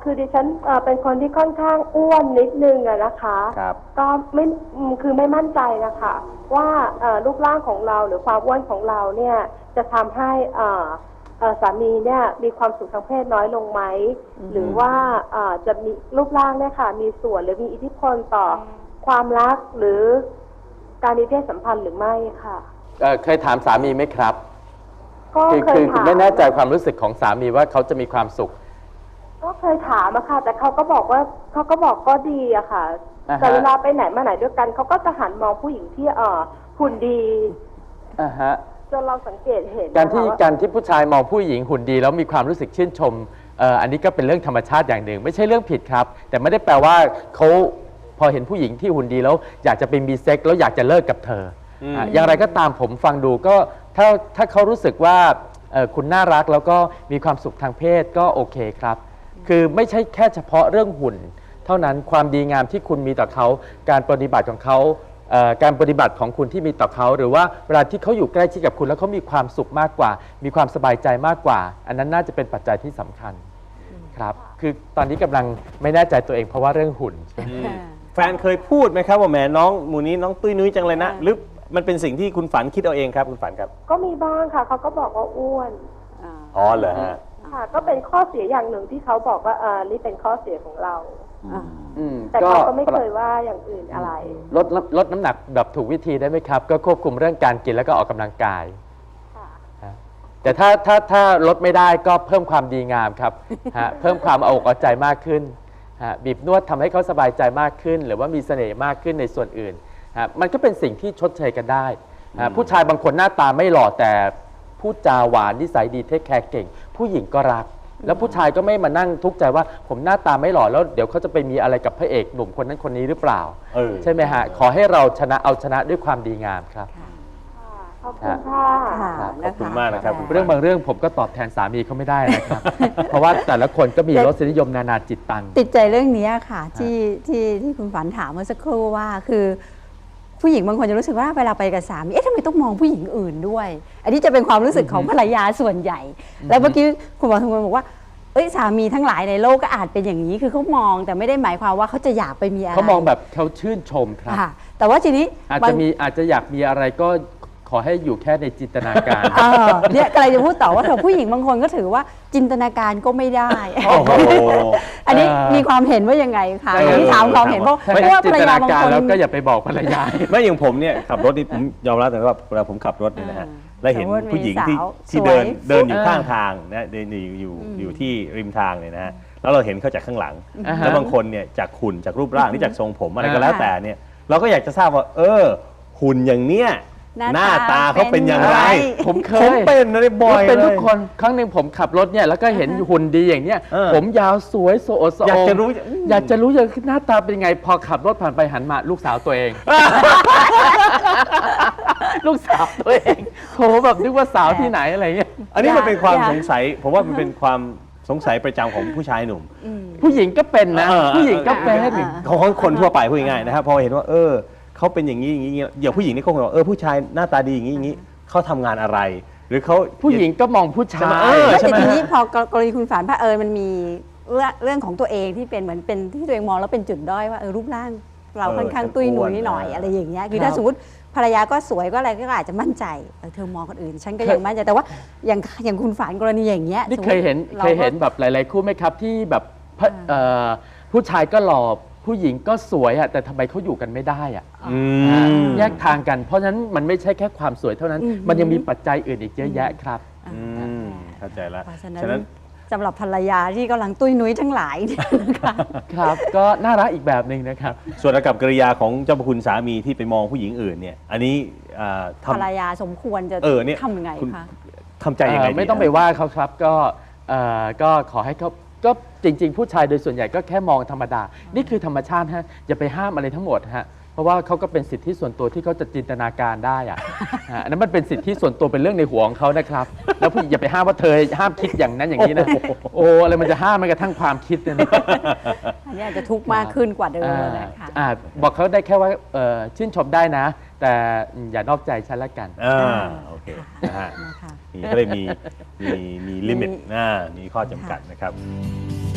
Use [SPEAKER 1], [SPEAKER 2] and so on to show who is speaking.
[SPEAKER 1] คือดิฉันเป็นคนที่ค่อนข้างอ้วนนิดนึงอะนะคะ
[SPEAKER 2] ครับ
[SPEAKER 1] ก็ไม่คือไม่มั่นใจนะคะว่ารูปร่างของเราหรือความอ้วนของเราเนี่ยจะทำให้สามีเนี่ยมีความสุขทางเพศน้อยลงไหมหรือว่าจะมีรูปร่างเนี่ยค่ะมีส่วนหรือมีอิทธิพลต่อความรักหรือการมีเพศสัมพันธ์หรือไม่ค่ะ
[SPEAKER 3] เคยถามสามีไหมครับ
[SPEAKER 1] ก็เคยถาม
[SPEAKER 3] ไม่แน่ใจความรู้สึกของสามีว่าเขาจะมีความสุข
[SPEAKER 1] ก็เคยถามอะค่ะแต่เขาก็บอกก็ดีอะค่ะแต่เวลาไปไหนมาไหนด้วยกันเขาก็จะหันมองผู้หญิงที่หุ่นดีจนเราสังเกตเห็น
[SPEAKER 3] การที่ผู้ชายมองผู้หญิงหุ่นดีแล้วมีความรู้สึกชื่นชมอันนี้ก็เป็นเรื่องธรรมชาติอย่างหนึ่งไม่ใช่เรื่องผิดครับแต่ไม่ได้แปลว่าเขาพอเห็นผู้หญิงที่หุ่นดีแล้วอยากจะไปมีเซ็กแล้วอยากจะเลิกกับเธออย่างไรก็ตามผมฟังดูก็ถ้าเขารู้สึกว่าคุณน่ารักแล้วก็มีความสุขทางเพศก็โอเคครับคือไม่ใช่แค่เฉพาะเรื่องหุ่นเท่านั้นความดีงามที่คุณมีต่อเขาการปฏิบัติของเขาการปฏิบัติของคุณที่มีต่อเขาหรือว่าเวลาที่เขาอยู่ใกล้ชิดกับคุณแล้วเขามีความสุขมากกว่ามีความสบายใจมากกว่าอันนั้นน่าจะเป็นปัจจัยที่สำคัญครับคือตอนนี้กำลังไม่แน่ใจตัวเองเพราะว่าเรื่องหุ่น
[SPEAKER 2] แฟนเคยพูดไหมครับว่าแหมน้องหมูนี้น้องตุ้ยนุ้ยจังเลยนะหรือมันเป็นสิ่งที่คุณฝันคิดเอาเองครับคุณฝันครับ
[SPEAKER 1] ก็มีบ้างค่ะเขาก็บอกว่าอ้วน
[SPEAKER 2] อ๋อเหรอฮะ
[SPEAKER 1] ค่ะก็เป็นข้อเสียอย่างหนึ่งที่เขาบอกว่านี่เป็นข้อเสียของเราแต่เขาก็ไม่เคยว่าอย่างอื่นอะไร
[SPEAKER 3] ลดน้ำหนักแบบถูกวิธีได้ไหมครับก็ควบคุมเรื่องการกินแล้วก็ออกกำลังกายแต่ถ้าลดไม่ได้ก็เพิ่มความดีงามครับเพิ่มความเอาอกเอาใจมากขึ้นบีบนวดทำให้เขาสบายใจมากขึ้นหรือว่ามีเสน่ห์มากขึ้นในส่วนอื่นมันก็เป็นสิ่งที่ชดเชยกันได้ผู้ชายบางคนหน้าตาไม่หล่อแต่พูดจาหวานนิสัยดีเทคแคร์เก่งผู้หญิงก็รักแล้วผู้ชายก็ไม่มานั่งทุกข์ใจว่าผมหน้าตาไม่หล่อแล้วเดี๋ยวเขาจะไปมีอะไรกับพระเอกหนุ่มคนนั้นคนนี้หรือเปล่าใช่ไหมฮะขอให้เราเอาชนะด้วยความดีงามครับ
[SPEAKER 1] ขอบคุณค่ะ
[SPEAKER 2] ขอบคุณมากนะครับ
[SPEAKER 3] เรื่องบางเรื่องผมก็ตอบแทนสามีเขาไม่ได้นะครับเพราะว่าแต่ละคนก็มีรสนิยมนานาจิตตัง
[SPEAKER 4] ติดใจเรื่องนี้ค่ะที่คุณฝันถามเมื่อสักครู่ว่าคือผู้หญิงบางคนจะรู้สึกว่าเวลาไปกับสามีทำไมต้องมองผู้หญิงอื่นด้วย อันนี้จะเป็นความรู้สึกของภรรยาส่วนใหญ่ แล้วเมื่อกี้คุณบอกว่าสามีทั้งหลายในโลกก็อาจเป็นอย่างนี้คือเขามองแต่ไม่ได้หมายความว่าเขาจะอยากไปมีอะไร
[SPEAKER 3] เขามองแบบเขาชื่นชมครับ
[SPEAKER 4] แต่ว่าทีนี้
[SPEAKER 3] อาจจะอยากมีอะไรก็ขอให้อยู่แค่ในจินตนาการ
[SPEAKER 4] เนี่ยกำลังจะพูดต่อว่าผู้หญิงบางคนก็ถือว่าจินตนาการก็ไม่ได้อันนี้มีความเห็นว่ายังไงคะที่ถามความเห็นเพราะว่าภรรยาบางคน
[SPEAKER 3] แล้วก็อย่าไปบอกภรรยา
[SPEAKER 2] ไม่อย่างผมเนี่ยขับรถนี่ผมยอมรับแต่ว่าเวลาผมขับรถเนี่ยนะฮะแล้วเห็นผู้หญิงที่เดินอยู่ข้างทางนะเดินอยู่ที่ริมทางเนี่ยนะฮะแล้วเราเห็นเขาจากข้างหลังแล้วบางคนเนี่ยจากหุ่นจากรูปร่างที่จากทรงผมอะไรก็แล้วแต่เนี่ยเราก็อยากจะทราบว่าหุ่นอย่างเนี้ยหน้าตาเขาเป็นอย่างไร
[SPEAKER 3] ผม
[SPEAKER 2] เป็นอะไรบ่อยเลย
[SPEAKER 3] เป็นทุกคนครั้งหนึ่งผมขับรถเนี่ยแล้วก็เห็นหุ่นดีอย่างเนี้ยผมยาวสวยโสด
[SPEAKER 2] อยากจะรู้
[SPEAKER 3] อย่างหน้าตาเป็นยังไงพอขับรถผ่านไปหันมาลูกสาวตัวเองลูกสาวตัวเองโหแบบนึกว่าสาวที่ไหนอะไรเงี้ย
[SPEAKER 2] อันนี้มันเป็นความสงสัยผมว่ามันเป็นความสงสัยประจำของผู้ชายหนุ่ม
[SPEAKER 3] ผู้หญิงก็เป็นนะผู้หญิงก็เป็น
[SPEAKER 2] ของคนทั่วไปพูดง่ายๆนะครับพอเห็นว่าเขาเป็นอย่างนี้อย่างนี้อย่างผู้หญิงนี่เขาบอกผู้ชายหน้าตาดีอย่างนี้อย่างนี้เขาทำงานอะไรหรือเขา
[SPEAKER 3] ผู้หญิงก็มองผู้ชาย
[SPEAKER 4] แต่ทีนี้พอกรณีคุณฝันมันมีเรื่องของตัวเองที่เป็นเหมือนเป็นที่ตัวเองมองแล้วเป็นจุดด้อยว่ารูปร่างเราค่อนข้างตุ้ยนุ้ยหน่อยอะไรอย่างเงี้ยคือถ้าสมมติภรรยาก็สวยก็อะไรก็อาจจะมั่นใจเธอมองคนอื่นฉันก็ยังมั่นใจแต่ว่าอย่างคุณฝันกรณีอย่างเงี้ย
[SPEAKER 3] นี่เคยเห็นแบบหลายๆคู่ไหมครับที่แบบผู้ชายก็หล่อผู้หญิงก็สวยแต่ทำไมเขาอยู่กันไม่ได้แยกทางกันเพราะฉะนั้นมันไม่ใช่แค่ความสวยเท่านั้นมันยังมีปัจจัยอื่นอีกเยอะแยะครับ
[SPEAKER 2] เข้าใจแล้ว
[SPEAKER 4] ฉะนั้นสำหรับภรรยาที่กำลังตุ้ยนุ้ยทั้งหลาย
[SPEAKER 3] ครับก็น่ารักอีกแบบหนึ่งนะครับ
[SPEAKER 2] ส่วนอากับกริยาของเจ้าพระคุณสามีที่ไปมองผู้หญิงอื่นเนี่ยอันนี้
[SPEAKER 4] ภรรยาสมควรจะทำยังไงคะ
[SPEAKER 2] ทำใจยังไง
[SPEAKER 3] ไม่ต้องไปว่าเขาครับก็ขอให้เขาก็จริงๆผู้ชายโดยส่วนใหญ่ก็แค่มองธรรมดานี่คือธรรมชาติฮะอย่าไปห้ามอะไรทั้งหมดฮะเพราะว่าเขาก็เป็นสิทธิส่วนตัวที่เขาจะจินตนาการได้อันนั้นมันเป็นสิทธิส่วนตัวเป็นเรื่องในหัวของเขานะครับแล้วผู้หญิงอย่าไปห้ามว่าเธอห้ามคิดอย่างนั้นอย่างนี้นะโอ้อะไรมันจะห้ามมันกระทั่งความคิดเนี่ย
[SPEAKER 4] อันนี้อาจจะทุกข์มากขึ้นกว่าเดิมนะคะ
[SPEAKER 3] บอกเขาได้แค่ว่าชื่นชมได้นะแต่อย่านอกใจฉันละกัน
[SPEAKER 2] โอเคนะฮะนี่ก็เลยมีลิมิตมีข้อจำกัดนะครับ